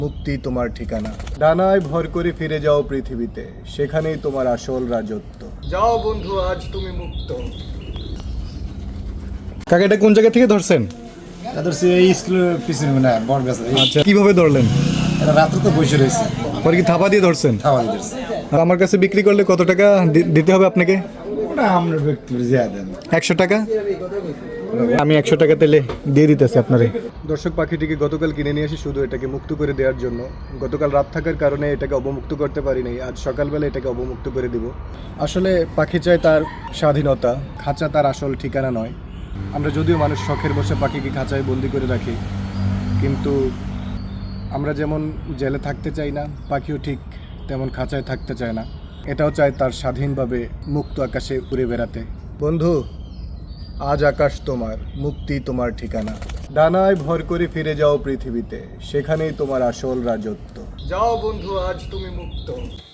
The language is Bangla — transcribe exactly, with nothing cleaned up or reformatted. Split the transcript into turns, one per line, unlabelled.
মুক্তি তোমার ঠিকানা। ডানায় ভর করে ফিরে যাও পৃথিবীতে, সেখানেই তোমার আসল রাজত্ব। যাও বন্ধু, আজ তুমি মুক্ত। কাকা, এটা কোন জায়গা থেকে ধরছেন?
ধরছি এই স্কুলের পিছনে না বড় গাছ।
আচ্ছা, কিভাবে ধরলেন?
এটা রাত্রে তো বসে রয়েছে,
পরে কি থাপা দিয়ে ধরছেন?
খাওয়া দিতেছে।
আর আমার কাছে বিক্রি করলে কত টাকা দি- দিতে হবে আপনাকে?
ওটা আমরা ব্যক্তি জিয়া দেন
একশো টাকা। আমি একশো টাকা তেলে দিয়ে দিতেছি আপনারে। দর্শক, পাখিটিকে গতকাল কিনে নিয়ে আসি শুধু এটাকে মুক্ত করে দেওয়ার জন্য। গতকাল রাত থাকার কারণে এটাকে অবমুক্ত করতে পারি নাই। আজ সকালবেলা এটাকে অবমুক্ত করে দিব। আসলে পাখি চায় তার স্বাধীনতা, খাঁচা তার আসল ঠিকানা নয়। আমরা যদিও মানুষ শখের বসে পাখিকে খাঁচায় বন্দি করে রাখি, কিন্তু আমরা যেমন জেলে থাকতে চাই না, পাখিও ঠিক তেমন খাঁচায় থাকতে চায় না। এটাও চায় তার স্বাধীনভাবে মুক্ত আকাশে উড়ে বেড়াতে। বন্ধু, আজ আকাশ তোমার, মুক্তি তোমার ঠিকানা। ডানায় ভর করে ফিরে যাও পৃথিবীতে, সেখানেই তোমার আসল রাজত্ব। যাও বন্ধু, আজ তুমি মুক্ত।